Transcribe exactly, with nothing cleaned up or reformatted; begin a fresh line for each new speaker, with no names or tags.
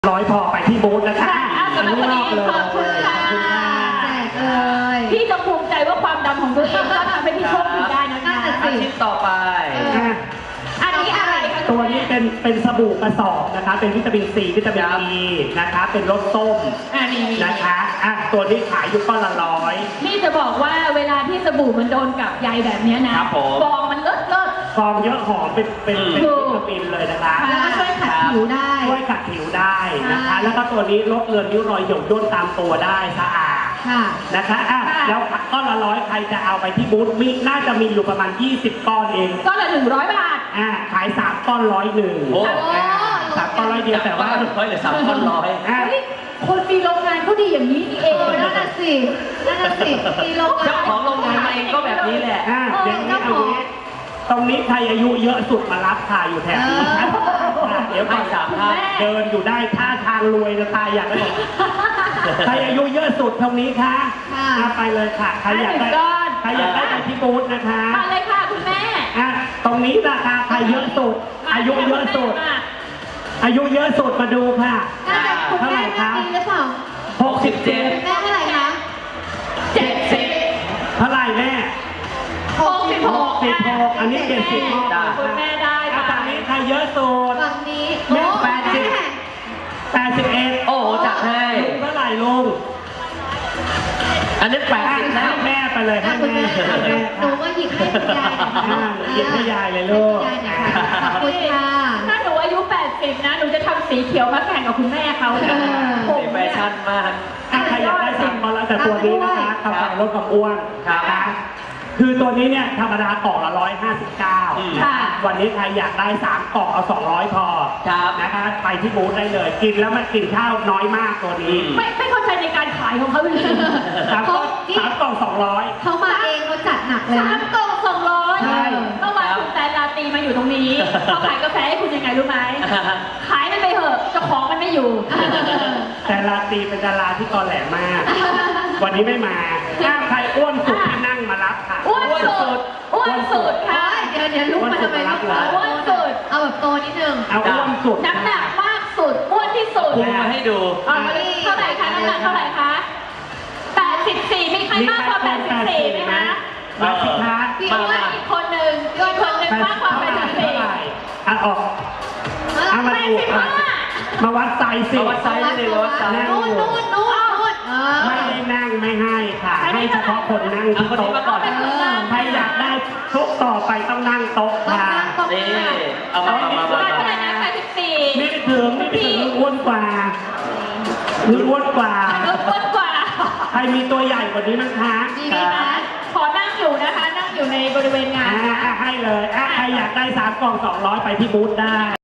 ร้อยพอไปที่บูธนะคะ
ขอบคุณค่ะขอบคุณค่ะแจกเลยพี่ต้องภูมิใจว่าความดำของตัวเองก็ทำให้พี่โชคดีได้นะคะ
อาชีพต่อไป
อันนี้อะไรคะ
ตัวนี้เป็นเป็นสบู่กระสอบนะคะเป็นวิตามินซีวิตามินอีนะคะเป็นรสส้มนะคะอ่ะตัวนี้ขายอยู่ก้อนละร้อย
พี่จะบอกว่าเวลาที่สบู่มันโดนกับใยแบบนี้นะฟองมันเลิศเลิศ
ฟองเยอะหอมเป็นเป็นเป็นวิตามินเลยนะคะ
แล้วก็ช่วยขัดผิวได้
ช่วยขัดผิวได้นะคะแล้วก็ตัวนี้ลดเลือนริ้วรอยหย่นย่นตามตัวได้สะอาดนะคะอ่ะแล้วก้อนละร้อยใครจะเอาไปที่บูธมีน่าจะมีอยู่ประมาณยี่สิบก้อนเอง
ก้อนละหนึ่งร้อยบาท
อ่าขายสามก้อนร้อยหนึ่ง
โอ้
สามก้อนร้อยเดียวแต่ว่า
ร้อยหรือสามก้อนร้อย
คนมีโรงงานเขาดีอย่างนี้นี่เองนั่นน่ะสินั่นน่ะสิมีโรงงาน
เจ้าของโรงงานเองก็แบบนี้แหละ
อ่าเดี๋ยวนี้เอางี้ตรงนี้ใครอายุเยอะสุดมารับค่ะอยู่แถวนี้ครับเดี๋ยวไปสามท่านเดินอยู่ได้ท่าทางรวยจะตายอยากได้ใครอายุเยอะสุดตรงนี้ค่ะไปเลยค่ะใครอยากได้ใครอยากได้ไปที่บูธนะคะ
มาเลยค่ะคุณแม่
อ่ะตรงนี้ราคาใครเยอะสุดอายุเยอะสุดอายุเยอะสุดมาดูค่ะ
เท่าไหร่คะหรือเปล่า
หกสิบเจ็ด
แม่เท่าไหร่คะเจ็ดสิบ
เท่าไหร่แม่
หกสิบหก
สิบหกอันนี้เจ็ดสิบ
คุณแม่ได้ค่ะ
ฝั่งนี้ใครเยอะสุด
ฝั่งนี้
แม่แปดสิบแปดสิบเอ็ด
โอ้โหจัดให้
เท่าไหร่ลุง
อันนี้แปดสิบ
แล้วแม่ไปเลยให้แม่
หนูว่าหยิบให้คุณยาย
หยิบให้ยายเลยลูก
ขอบคุณค่ะถ้าหนูอายุแปดสิบนะหนูจะทำสีเขียวมาแข่งกับคุณแม่เขา
สีแฟชั่นมาก
ใครอยากได้สั่งมาแล้วแต่ตัวนี้นะคะกาแฟลดความอ้วนนะคะคือตัวนี้เนี่ยธรรมดากล่องละร้อยห้าสิบเก้าวันนี้ใครอยากได้สามกล่องเอาสองร้อยพอนะคะไปที่บูธได้เลยกินแล้วมันกินข้าวน้อยมากตัวนี้
ไม่ไม่เข้าใจในการขายของเขาเลย
สามกล่องสามกล่องสองร้อย
เขามาเองเขาจัดหนักเลยสามกล่องสองร้อยเมื่อวานคุณแตนลาตีมาอยู่ตรงนี้เขาขายกาแฟให้คุณยังไงรู้ไหมขายมันไปเถอะเจ้าของมันไม่อยู่
แต่ลาตีเป็นดาราที่ตอแหลมากวันนี้ไม่มาถ้าใครอ้วนสุดที่นั่งมารับค่ะ
อ้วนสุดอ้วนสุดค่ะเดี๋ยวเดี๋ยวลุกมาทำไมอ้วนสุดเอาแบบโตนิดนึง
เอาอ้วนสุด
น้ำหนักมากสุดอ้วนที่สุด
พุงมาให้ดู
เท่าไหร่คะน้ำหนักเท่าไหร่คะแปดสิบสี่มีใครมากกว่าแปดสิบสี่ไหมคะ
มาสิคะ
พี่อ้วนอีกคนหนึ่งอีกคนหนึ่งมากกว่าแปดสิบสี่
อ่ะออกเอามาดูมาวัดไซส์สิ
มาวัดไซส์นี่เลยวัดไซส์
นู่นนู่นนู่น
ไม่ได้นั่งไม่ให้ค่ะให้เฉพาะคนนั่งที่โต๊ะใครอยากได้ทุกต่อไปต้องนั่งโต๊ะค่ะ
นี่เอามามามา
เท่าไหร่นะแปดสิบสี่
ไม่ไปถึงไม่ไปถึงอ้วนกว่าอ้วนกว่า
อ้วนกว่า
ใครมีตัวใหญ่กว่านี้มั้งคะ
ขอนั่งอยู่นะคะนั่งอยู่ในบริเวณงาน
ให้เลยใครอยากได้สามกล่องสองร้อยไปที่บูธได้